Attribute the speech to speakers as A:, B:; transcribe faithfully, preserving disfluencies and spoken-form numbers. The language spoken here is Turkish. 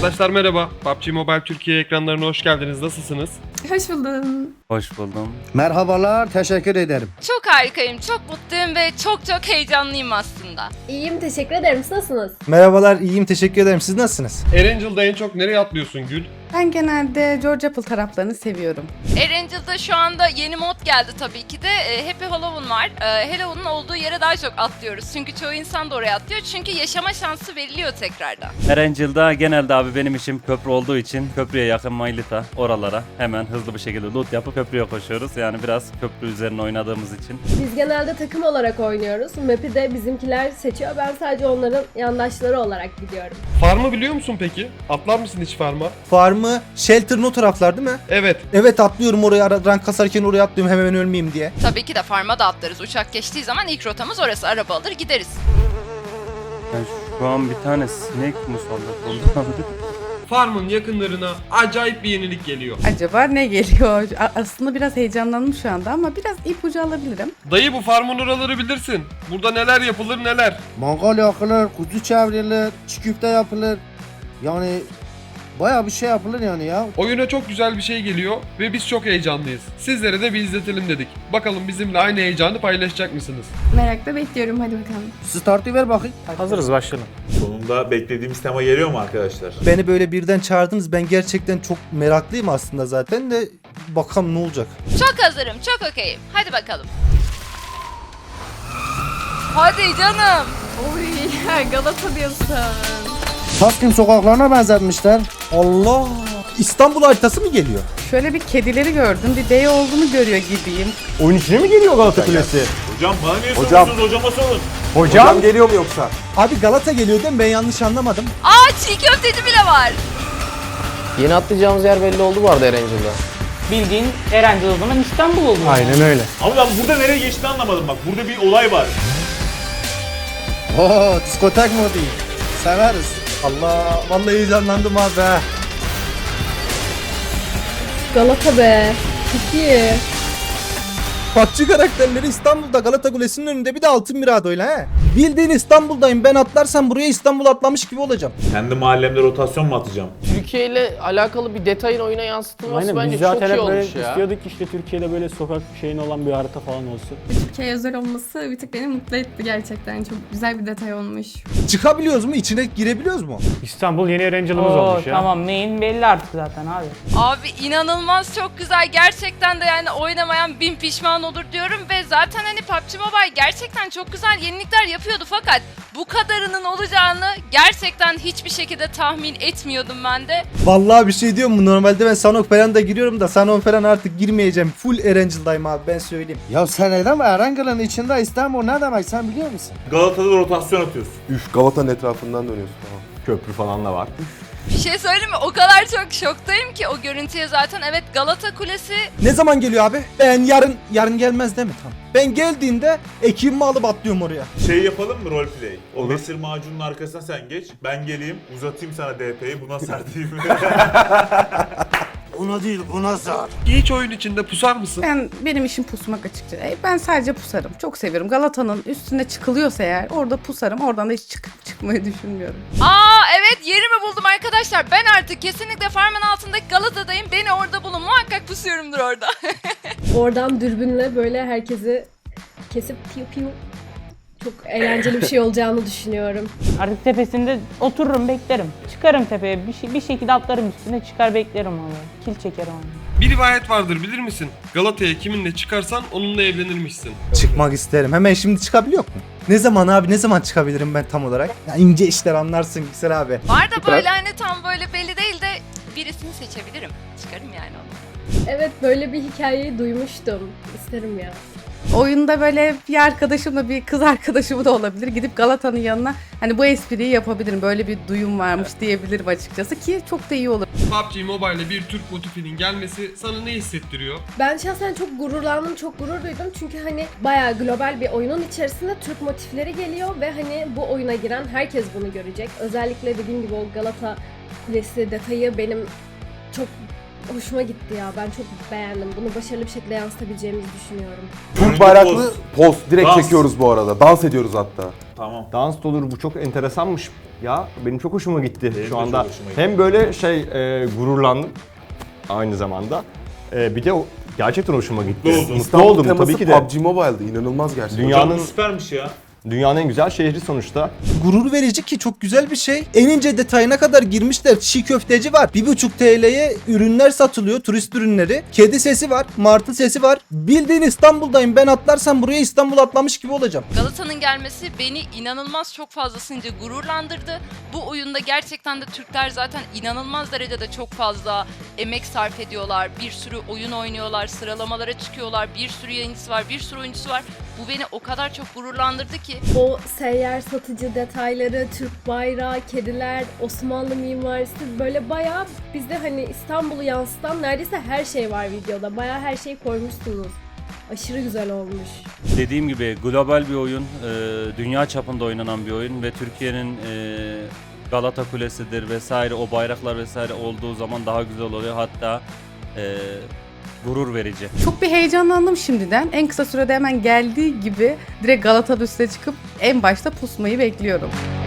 A: Arkadaşlar merhaba. P U B G Mobile Türkiye ekranlarına hoş geldiniz. Nasılsınız?
B: Hoş buldum.
C: Hoş buldum.
D: Merhabalar, teşekkür ederim.
E: Çok harikayım, çok mutluyum ve çok çok heyecanlıyım aslında.
B: İyiyim, teşekkür ederim. Siz nasılsınız?
F: Merhabalar, iyiyim, teşekkür ederim. Siz nasılsınız?
A: Erangel'da en çok nereye atlıyorsun Gül?
G: Ben genelde George Apple taraflarını seviyorum.
E: Erangel'da şu anda yeni mod geldi tabii ki de. E, Happy Halloween var. E, Halloween'ın olduğu yere daha çok atlıyoruz. Çünkü çoğu insan da oraya atlıyor. Çünkü yaşama şansı veriliyor tekrardan.
C: Erangel'da genelde abi benim işim köprü olduğu için köprüye yakın Maylita oralara hemen hızlı bir şekilde loot yapıp köprüye koşuyoruz. Yani biraz köprü üzerine oynadığımız için.
B: Biz genelde takım olarak oynuyoruz. Map'i de bizimkiler seçiyor. Ben sadece onların yandaşları olarak gidiyorum.
A: Farm'ı biliyor musun peki? Atlar mısın hiç Farm'a?
F: Farmı, Shelter'ın o taraflar değil mi?
A: Evet.
F: Evet, atlıyorum oraya, ara- rank kasarken oraya atlıyorum hemen ölmeyeyim diye.
E: Tabii ki de farma da atlarız. Uçak geçtiği zaman ilk rotamız orası. Araba alır gideriz.
C: Ben şu an bir tane sinek musallat oldu.
A: Farm'ın yakınlarına acayip bir yenilik geliyor.
G: Acaba ne geliyor? A- Aslında biraz heyecanlandım şu anda ama biraz ipucu alabilirim.
A: Dayı bu Farm'ın oraları bilirsin. Burada neler yapılır neler.
D: Mangal yakılır, kuzu çevrilir, çiğ köfte yapılır. Yani bayağı bir şey yapılır yani ya.
A: Oyuna çok güzel bir şey geliyor ve biz çok heyecanlıyız. Sizlere de bir izletelim dedik. Bakalım bizimle aynı heyecanı paylaşacak mısınız?
B: Merakla bekliyorum. Hadi bakalım.
D: Startı ver bakayım.
H: Hazırız, başlayalım.
I: Sonunda beklediğimiz tema geliyor mu arkadaşlar?
F: Beni böyle birden çağırdınız. Ben gerçekten çok meraklıyım aslında zaten de bakalım ne olacak.
E: Çok hazırım, çok okeyim. Hadi bakalım. Hadi canım.
B: Oy, Galata diyorsun.
D: Taksim sokaklarına benzetmişler.
F: Allah! İstanbul haritası mı geliyor?
G: Şöyle bir kedileri gördüm, bir bey olduğunu görüyor gibiyim.
H: Oyun içine mi geliyor Galata Kulesi?
I: Hocam bana niye
H: Hocam.
I: soruyorsunuz? Hocama sorun.
H: Hocam, geliyor mu yoksa?
F: Abi Galata geliyor değil mi? Ben yanlış anlamadım.
E: Aa çiğ köfteci bile var.
J: Yeni atlayacağımız yer belli oldu bu arada Erangel'da.
K: Bildiğin Erencil o zaman İstanbul oldu.
H: Aynen öyle.
I: Ama ben burada nereye geçtiğini anlamadım bak. Burada bir olay var.
D: Oo, diskotek modu. Severiz.
F: Allah! Vallahi heyecanlandım abi. ha.
B: Galata be. Çok iyi.
F: P U B G karakterleri İstanbul'da Galata Kulesi'nin önünde bir de Altın Mirado'yla he. Bildiğin İstanbul'dayım. Ben atlarsam buraya İstanbul atlamış gibi olacağım.
I: Kendi mahallemde rotasyon mu atacağım?
J: Türkiye ile alakalı bir detayın oyuna yansıtılması
H: Aynen,
J: bence
H: biz
J: çok
H: zaten
J: iyi
H: hep böyle
J: olmuş ya.
H: istiyorduk ki işte Türkiye'de böyle sokak şeyin olan bir harita falan olsun.
B: Türkiye özel olması bir tık beni mutlu etti gerçekten. Çok güzel bir detay olmuş.
F: Çıkabiliyoruz mu? İçine girebiliyoruz mu?
H: İstanbul yeni Erangel'ımız
K: Oo,
H: olmuş ya.
K: tamam, main belli artık zaten abi.
E: Abi inanılmaz çok güzel. Gerçekten de yani oynamayan bin pişman olur diyorum ve zaten hani P U B G Mobile gerçekten çok güzel yenilikler yapıyordu fakat bu kadarının olacağını gerçekten hiçbir şekilde tahmin etmiyordum ben de.
F: Vallahi bir şey diyorum mu? Normalde ben Sanok falan da giriyorum da Sanok falan artık girmeyeceğim. Full Erangel'dayım abi, ben söyleyeyim.
D: Ya sen neden Erangel'ın içinde İstanbul ne demek sen biliyor musun?
I: Galata'da rotasyon atıyorsun.
H: Üf, Galata'nın etrafından dönüyorsun falan. Köprü falan da var.
E: Bir şey söyleyeyim mi? O kadar çok şoktayım ki o görüntüye zaten evet Galata Kulesi.
F: Ne zaman geliyor abi? Ben yarın, yarın gelmez değil mi? Tamam. Ben geldiğinde ekibimi alıp atlıyorum oraya.
I: Şey yapalım mı roleplay? O mesir macunun arkasına sen geç. Ben geleyim uzatayım sana D P'yi buna serteyim.
D: Buna değil buna zar.
A: Hiç oyun içinde pusar mısın?
G: Ben benim işim pusmak açıkçası. E, Ben sadece pusarım. Çok seviyorum. Galata'nın üstüne çıkılıyorsa eğer orada pusarım. Oradan da hiç çıkıp çıkmayı düşünmüyorum.
E: Aa evet yerimi buldum arkadaşlar. Ben artık kesinlikle farmın altındaki Galata'dayım. Beni orada bulun. Muhakkak pusuyorumdur orada.
B: Oradan dürbünle böyle herkesi kesip piu piu. Çok eğlenceli bir şey olacağını düşünüyorum.
K: Artık tepesinde otururum, beklerim. Çıkarım tepeye, bir, şey, bir şekilde atlarım üstüne, çıkar beklerim onu. Kil çekerim onu.
A: Bir rivayet vardır bilir misin? Galata'ya kiminle çıkarsan onunla evlenirmişsin.
F: Çıkmak isterim. Hemen şimdi çıkabiliyor mu? Ne zaman abi, ne zaman çıkabilirim ben tam olarak? Ya ince işler anlarsın Yüksel abi.
E: Var da böyle hani tam böyle belli değil de birisini seçebilirim. Çıkarım yani onu.
B: Evet böyle bir hikayeyi duymuştum. İsterim ya.
G: Oyunda böyle bir arkadaşımla bir kız arkadaşım da olabilir. Gidip Galata'nın yanına hani bu espriyi yapabilirim. Böyle bir duyum varmış diyebilirim açıkçası ki çok da iyi olur.
A: P U B G Mobile'e bir Türk motifinin gelmesi sana ne hissettiriyor?
B: Ben şahsen çok gururlandım, çok gurur duydum. Çünkü hani bayağı global bir oyunun içerisinde Türk motifleri geliyor ve hani bu oyuna giren herkes bunu görecek. Özellikle dediğim gibi o Galata Kulesi detayı benim çok hoşuma gitti ya. Ben çok beğendim. Bunu başarılı bir şekilde yansıtabileceğimizi düşünüyorum.
I: Türk bayraklı poz direkt
H: çekiyoruz
I: bu arada. Dans ediyoruz hatta. Tamam.
H: Dans da olur, bu çok enteresanmış ya. Benim çok hoşuma gitti
I: Benim de
H: şu anda.
I: çok hoşuma gitti.
H: Hem böyle şey e, gururlandım aynı zamanda. E, bir de o gerçekten hoşuma gitti.
I: Mutlu oldun.
H: Mutlu oldum tabii ki de.
L: P U B G Mobile'dı. İnanılmaz gerçekten.
H: Dünyanın
I: Hocam bu süpermiş ya.
H: dünyanın en güzel şehri sonuçta.
F: Gurur verici ki çok güzel bir şey. En ince detayına kadar girmişler. Çiğ köfteci var. bir buçuk T L'ye ürünler satılıyor. Turist ürünleri. Kedi sesi var. Martı sesi var. Bildiğin İstanbul'dayım. Ben atlarsam buraya İstanbul atlamış gibi olacağım.
E: Galata'nın gelmesi beni inanılmaz çok fazlasınca gururlandırdı. Bu oyunda gerçekten de Türkler zaten inanılmaz derecede çok fazla emek sarf ediyorlar. Bir sürü oyun oynuyorlar, sıralamalara çıkıyorlar. Bir sürü yayıncısı var, bir sürü oyuncusu var. Bu beni o kadar çok gururlandırdı ki.
B: O seyyar satıcı detayları, Türk bayrağı, kediler, Osmanlı mimarisi böyle bayağı bizde hani İstanbul'u yansıtan neredeyse her şey var videoda. Bayağı her şeyi koymuşsunuz. Aşırı güzel olmuş.
C: Dediğim gibi global bir oyun, e, dünya çapında oynanan bir oyun ve Türkiye'nin e, Galata Kulesi'dir vesaire, o bayraklar vesaire olduğu zaman daha güzel oluyor. Hatta e, gurur verici.
G: Çok bir heyecanlandım şimdiden. En kısa sürede hemen geldiği gibi direkt Galata'da üstüne çıkıp en başta pusmayı bekliyorum.